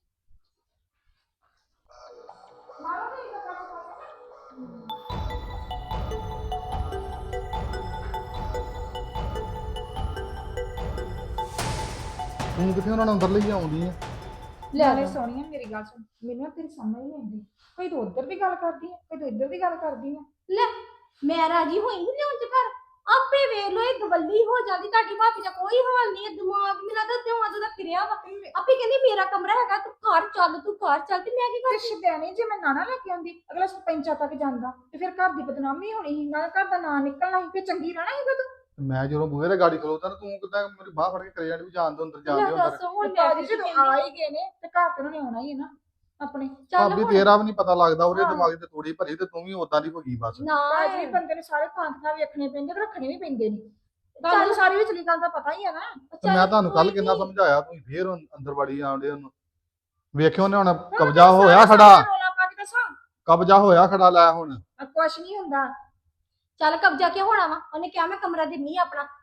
[SPEAKER 5] ਤੂੰ ਕਿੱਥੇ ਉਹਨਾਂ ਨੂੰ ਅੰਦਰ ਲਈ ਆਉਂਦੀ ਆ?
[SPEAKER 2] ਨਾਲੇ ਸੋਹਣੀਆ ਮੇਰੀ ਗੱਲ ਸੁਣ, ਮੈਨੂੰ ਨਾ ਤੇਰੀ ਸਮਝ ਨਹੀਂ ਆਉਂਦੀ। ਕੋਈ ਤੂੰ ਉੱਧਰ ਦੀ ਗੱਲ ਕਰਦੀ ਆ, ਕੋਈ ਤੂੰ ਇੱਧਰ ਦੀ ਗੱਲ ਕਰਦੀ ਆ।
[SPEAKER 6] ਲੈ ਮੈਂ ਰਾਜੀ ਹੋਈ ਨਹੀਂ ਲਿਆਉਣ ਚ ਘਰ। ਆਪੇ ਵੇਖ ਲੋ ਇਹ ਗਵੱਲੀ ਹੋ ਜਾਂਦੀ। ਤੁਹਾਡੀ ਭਾਬੀ ਦਾ ਕੋਈ ਹਾਲ ਨਹੀਂ ਹੈ। ਦਿਮਾਗ ਮੇਰਾ ਤਾਂ ਤਿਉਂ ਅੱਜ ਦਾ ਫਿਰਿਆ ਵਾ। ਆਪੇ ਕਹਿੰਦੀ ਮੇਰਾ ਕਮਰਾ ਹੈਗਾ, ਤੂੰ ਘਰ ਚੱਲ, ਤੂੰ ਘਰ ਚੱਲ। ਤੇ ਮੈਂ ਕੀ
[SPEAKER 2] ਤੇ
[SPEAKER 6] ਕਰ?
[SPEAKER 2] ਸ਼ਿਦਿਆਣੀ ਜੇ ਮੈਂ ਨਾਨਾ ਲੈ ਕੇ ਆਉਂਦੀ, ਅਗਲਾ ਸਰਪੰਚਾਂ ਤੱਕ ਜਾਂਦਾ ਤੇ ਫਿਰ ਘਰ ਦੀ ਬਦਨਾਮੀ ਹੋਣੀ ਸੀ, ਨਾਲ ਘਰ ਦਾ ਨਾਂ ਨਿਕਲਣਾ ਸੀ, ਫਿਰ ਚੰਗੀ ਰਹਿਣਾ ਸੀਗਾ ਤੂੰ।
[SPEAKER 5] ਮੈਂ ਜਦੋਂ ਬੂਹੇ ਤੇ ਗਾੜੀ ਖਲੋਤਾ ਨਾ, ਤੂੰ ਕਿੱਦਾਂ ਮੇਰੀ ਬਾਹ ਫੜ ਕੇ ਕਰੇ ਜਾਂਦੀ ਵੀ ਜਾਣ ਦੋ ਅੰਦਰ, ਜਾਣ
[SPEAKER 6] ਲੈ
[SPEAKER 5] ਦਿਓ ਅੰਦਰ।
[SPEAKER 6] ਦੱਸ ਹੁਣ
[SPEAKER 2] ਤੇ
[SPEAKER 6] ਮੈਂ
[SPEAKER 2] ਭਾਜੀ
[SPEAKER 6] ਕੀ
[SPEAKER 2] ਜਦੋਂ
[SPEAKER 6] ਕਹਿੰਦੀ?
[SPEAKER 2] ਆ ਹੀ ਗਏ ਨੇ ਤੇ ਘਰ ਤੇ ਉਹਨਾਂ ਨੇ ਆਉਣਾ ਹੀ ਹੈ ਨਾ ਆਪਣੇ।
[SPEAKER 6] ਚੱਲ
[SPEAKER 5] ਭਾਬੀ
[SPEAKER 6] ਹੁਣ।
[SPEAKER 5] ਤੇਰਾ ਵੀ ਨਹੀਂ ਪਤਾ ਲੱਗਦਾ, ਉਹਦੇ
[SPEAKER 2] ਹਾਂ।
[SPEAKER 5] ਦਿਮਾਗ ਤੇ ਤੂੜੀ ਭਰੀ ਤੇ ਤੂੰ ਵੀ ਉਦਾਂ ਦੀ ਹੋ ਗਈ ਬਸ।
[SPEAKER 6] ਨਾ
[SPEAKER 2] ਭਾਜੀ ਬੰਦੇ ਨੇ ਸਾਰੇ ਥਾਂ ਥਾਂ ਵੇਖਣੇ ਪੈਂਦੇ ਤੇ ਰੱਖਣੇ ਵੀ ਪੈਂਦੇ ਨੇ।
[SPEAKER 6] ਚੱਲ।
[SPEAKER 2] ਤੁਹਾਨੂੰ ਸਾਰੀ ਵਿਚਲੀ ਗੱਲ ਦਾ ਪਤਾ ਹੀ ਹੈ ਨਾ।
[SPEAKER 5] ਤੇ ਮੈਂ ਤੁਹਾਨੂੰ ਕੱਲ ਕਿੰਨਾ ਸਮਝਾਇਆ, ਤੁਸੀਂ ਫੇਰ ਅੰਦਰ ਵੜੀ ਆਉਂਦੇ ਉਹਨੂੰ। ਵੇਖਿਓ ਨੇ ਹੁਣ ਕਬਜ਼ਾ ਹੋਇਆ ਖੜਾ,
[SPEAKER 2] ਰੋਲਾ ਪਾ ਕੇ ਦੱਸਾਂ
[SPEAKER 5] ਕਬਜ਼ਾ ਹੋਇਆ ਖੜਾ। ਲੈ ਹੁਣ
[SPEAKER 2] ਕੁਛ ਨਹੀਂ ਹੁੰਦਾ।
[SPEAKER 6] ਚੱਲ ਕਬਜ਼ਾ ਕਿਉਂ ਹੋਣਾ ਵਾ? ਉਹਨੇ ਕਿਹਾ ਮੈਂ ਕਮਰਾ ਦਿੰਨੀ ਆ ਆਪਣਾ।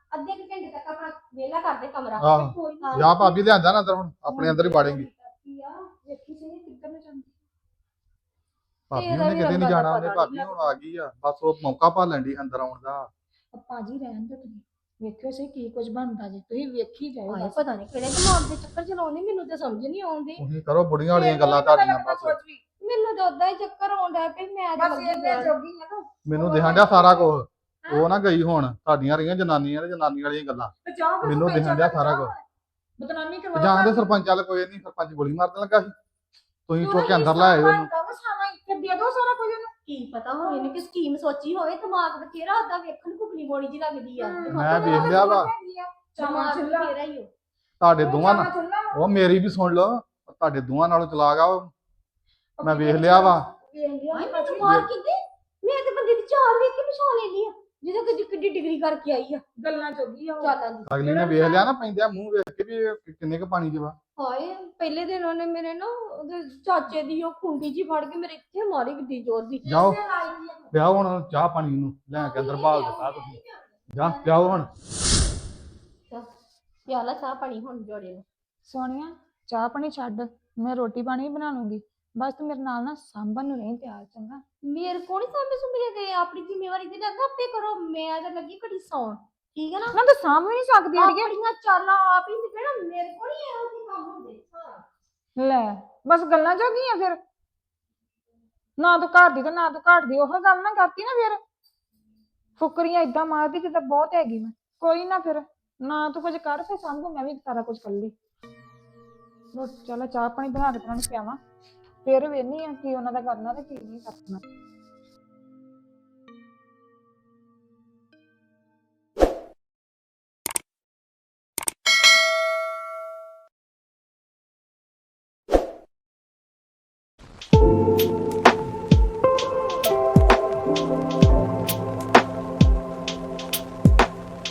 [SPEAKER 6] ਅੱਧੇ ਕੁ ਘੰਟੇ ਤੱਕ ਆਪਣਾ ਵਿਹਲਾ ਕਰਦੇ ਕਮਰਾ
[SPEAKER 5] ਆਹੋ
[SPEAKER 6] ਕੋਈ ਨਾ
[SPEAKER 5] ਜਾ ਭਾਬੀ ਲਿਆਂਦਾ ਨਾ ਅੰਦਰ ਹੁਣ ਆਪਣੇ ਅੰਦਰ ਹੀ ਵਾੜੇਂਗੀ
[SPEAKER 2] ਵੇਖੀ ਸਹੀ ਕਿੱਧਰ ਨੂੰ ਜਾਂਦੀ।
[SPEAKER 5] ਭਾਬੀ
[SPEAKER 2] ਤੇਰਾ
[SPEAKER 5] ਉਹਨੇ
[SPEAKER 2] ਵੀ
[SPEAKER 5] ਕਿਤੇ ਨਹੀਂ
[SPEAKER 2] ਰੰਗਾਂ ਦਾ
[SPEAKER 5] ਜਾਣਾ ਉਹਨੇ
[SPEAKER 2] ਪਤਾ
[SPEAKER 5] ਭਾਬੀ
[SPEAKER 2] ਨੀ
[SPEAKER 5] ਹੁਣ ਆ ਗਈ ਆ ਬਸ ਉਹ ਮੌਕਾ ਭਾਲਣ ਦੀ ਅੰਦਰ ਆਉਣ ਦਾ।
[SPEAKER 2] ਭਾਜੀ ਰਹਿਣ ਦਿਓ ਤੁਸੀਂ, ਵੇਖਿਓ ਸਹੀ ਕੀ ਕੁਝ ਬਣਦਾ ਜੇ, ਤੁਸੀਂ ਵੇਖੀ ਜਾਓ
[SPEAKER 6] ਹਾਏ
[SPEAKER 2] ਬਸ।
[SPEAKER 6] ਪਤਾ ਨਹੀਂ ਕਿਹੜੇ ਦਿਮਾਗ ਦੇ ਚੱਕਰ ਚਲਾਉਂਦੀ ਮੈਨੂੰ ਤੇ ਸਮਝ ਨਹੀਂ ਆਉਂਦੀ
[SPEAKER 5] ਤੁਸੀਂ ਕਰੋ ਬੁੜੀਆਂ ਵਾਲੀਆਂ ਗੱਲਾਂ ਤੁਹਾਡੀਆਂ ਬਸ
[SPEAKER 6] ਮੈਨੂੰ ਤਾਂ ਉਦਾਂ ਹੀ ਚੱਕਰ ਆਉਂਦਾ ਪਈ ਮੈਂ ਤਾਂ
[SPEAKER 2] ਬਸ
[SPEAKER 6] ਲੱਗੀ
[SPEAKER 2] ਇਹਨੇ
[SPEAKER 6] ਰਹਿਣ।
[SPEAKER 2] ਜੋਗੀ ਆ ਨਾ
[SPEAKER 5] ਮੈਨੂੰ ਦਿਖਣ ਡਿਆ ਸਾਰਾ ਕੁਝ। ਉਹ ਨਾ ਗਈ ਹੁਣ ਤੁਹਾਡੀਆਂ ਰਹੀਆਂ ਜਨਾਨੀਆਂ ਨੇ ਜਨਾਨੀ ਵਾਲੀਆਂ ਗੱਲਾਂ
[SPEAKER 2] ਤੇ ਜਾ ਫਿਰ
[SPEAKER 5] ਮੈਨੂੰ
[SPEAKER 2] ਸਰਪੰਚ
[SPEAKER 5] ਦਿਖਣ ਡਿਆ
[SPEAKER 2] ਵੱਲ
[SPEAKER 5] ਸਾਰਾ
[SPEAKER 2] ਜਾਓ।
[SPEAKER 5] ਕੁਝ।
[SPEAKER 2] ਬਦਨਾਮੀ ਕਰਵਾ
[SPEAKER 5] ਜਾਂ ਦੇ ਸਰਪੰਚ ਵਾਲ ਕੋਈ ਨਹੀਂ ਸਰਪੰਚ ਗੋਲੀ ਮਾਰਨ ਲੱਗਾ ਸੀ ਤੁਸੀਂ ਚੁੱਕ ਕੇ ਅੰਦਰ ਲੈ ਆਏ ਉਹਨੂੰ।
[SPEAKER 2] ਫਿਰ ਦੇ ਦੋ ਸਾਰਾ ਕੁਝ ਉਹਨੂੰ।
[SPEAKER 6] ਕੀ ਪਤਾ ਹੋਵੇ ਇਹਨੇ ਕਿ ਸਕੀਮ ਸੋਚੀ ਹੋਵੇ ਦਿਮਾਗ ਬਥੇਰਾ ਉਹਦਾ ਵੇਖਣ ਕੁਕਲੀ ਬੋਲੀ ਜੀ ਲੱਗਦੀ ਆ
[SPEAKER 5] ਮੈਂ ਵੇਖ ਲਿਆ ਵਾ
[SPEAKER 6] ਦਿਮਾਗ
[SPEAKER 2] ਚੁੱਲ੍ਹਾ।
[SPEAKER 6] ਬਥੇਰਾ ਹੀ ਹੋ
[SPEAKER 5] ਤੁਹਾਡੇ ਦੋਵਾਂ ਨਾਲ
[SPEAKER 2] ਚੁੱਲ੍ਹਾ ਵਾ।
[SPEAKER 5] ਉਹ ਮੇਰੀ ਵੀ ਸੁਣ ਲਓ ਤੁਹਾਡੇ ਦੋਵਾਂ ਨਾਲੋਂ ਚਲਾਕ ਆ ਉਹ ਮੈਂ ਵੇਖ ਲਿਆ ਵਾ।
[SPEAKER 2] ਵੇਖ ਲਿਆ
[SPEAKER 6] ਹਾਏ
[SPEAKER 2] ਭਾਜੀ।
[SPEAKER 6] ਮੈਨੂੰ ਮਾਰ ਕਿੰਦੇ ਮੈਂ ਤੇ ਬੰਦੇ ਦੀ ਚਾਲ ਵੇਖ ਕੇ ਪਛਾਣ ਲੈਣੀ ਆ ਜਿਹਦੇ ਕਿੱਡੀ ਕਿੱਡੀ ਡਿਗਰੀ ਕਰਕੇ ਆਈ ਆ
[SPEAKER 2] ਗੱਲਾਂ ਚੋਗੀ ਆ ਉਹ।
[SPEAKER 6] ਚਾਲਾਂ ਦੀ
[SPEAKER 5] ਅਗਲੀ ਨੇ ਵੇਖ ਲਿਆ ਨਾ ਪੈਂਦਿਆ ਮੂੰਹ ਵੇਖ ਕੇ ਵੀ ਇਹ ਕਿੰਨੇ ਕ ਪਾਣੀ 'ਚ ਵਾ।
[SPEAKER 6] ਹਾਏ ਪਹਿਲੇ ਦਿਨ ਉਹਨੇ ਮੇਰੇ ਨਾ ਉਹਦੇ ਚਾਚੇ ਦੀ ਉਹ ਖੁੰਡੀ ਜੀ ਫੜ ਕੇ ਮੇਰੇ ਇੱਥੇ ਮਾਰੀ ਕਿੱਡੀ ਜ਼ੋਰ ਦੀ
[SPEAKER 5] ਜਾਓ ਪਿਆਓ ਹੁਣ ਚਾਹ ਪਾਣੀ ਨੂੰ ਲੈ ਕੇ ਅੰਦਰ ਬਾਲ ਦਿੱਤਾ ਤੁਸੀਂ ਜਾ ਪਿਆਓ ਹੁਣ।
[SPEAKER 6] ਪਿਆਲਾ ਚਾਹ ਪਾਣੀ ਹੁਣ ਜੋੜੇ ਨੂੰ
[SPEAKER 2] ਸੋਨੀਆ ਚਾਹ ਪਾਣੀ ਛੱਡ, ਮੈਂ ਰੋਟੀ ਪਾਣੀ ਵੀ ਬਣਾ ਲੂੰਗੀ, ਬਸ ਤੂੰ ਮੇਰੇ ਨਾਲ ਨਾ ਸਾਂਭਣ ਨੂੰ ਨਹੀਂ ਤਿਆਰ, ਚੰਗਾ?
[SPEAKER 6] ਮੇਰੇ ਕੋਲ ਨਹੀਂ ਸਾਹਮਣੇ ਸੁਮਰੇ ਗਏ ਆਪਣੀ ਜ਼ਿੰਮੇਵਾਰੀ ਤੇ ਲੱਗਾ ਆਪੇ ਕਰੋ ਮੈਂ ਤਾਂ ਲੱਗੀ ਘੜੀ ਸੌਣ ਠੀਕ ਹੈ ਨਾ
[SPEAKER 2] ਨਾ ਤੂੰ ਸਾਂਭ ਵੀ ਨਹੀਂ ਸਕਦੀ ਅੜੀਏ।
[SPEAKER 6] ਆਪਣੀਆਂ ਚਾਲਾਂ ਆਪ ਹੀ ਨਿਕਲਣਾ ਮੇਰੇ ਕੋਲ ਹੀ ਇਹੋ ਜਿਹੇ ਕੰਮ ਹੁੰਦੇ ਹਾਂ
[SPEAKER 2] ਲੈ ਬਸ ਗੱਲਾਂ ਜੋਗੀਆਂ ਫਿਰ, ਨਾ ਤੂੰ ਘਰ ਦੀ ਤੇ ਨਾ ਤੂੰ ਘਾਟ ਦੀ, ਉਹ ਗੱਲ ਨਾ ਕਰਤੀ ਨਾ ਫਿਰ ਫੁਕਰੀਆਂ ਇਦਾਂ ਮਾਰਦੀ ਜਿੱਦਾਂ ਬਹੁਤ ਹੈਗੀ ਮੈਂ। ਕੋਈ ਨਾ ਫਿਰ ਨਾ ਤੂੰ ਕੁਝ ਕਰ, ਫਿਰ ਸਾਂਭੂ ਮੈਂ ਵੀ ਸਾਰਾ ਕੁਝ ਕਰ ਲਈ। ਰੋਟੀ ਚਲ ਚਾਹ ਪਾਣੀ ਬਣਾ ਕੇ ਤੈਨੂੰ ਪਿਆਵਾਂ, ਫਿਰ ਵੇਖਨੀ ਆ ਕੀ ਉਹਨਾਂ ਦਾ ਕਰਨਾ ਤੇ ਕੀ ਨਹੀਂ ਕਰਨਾ।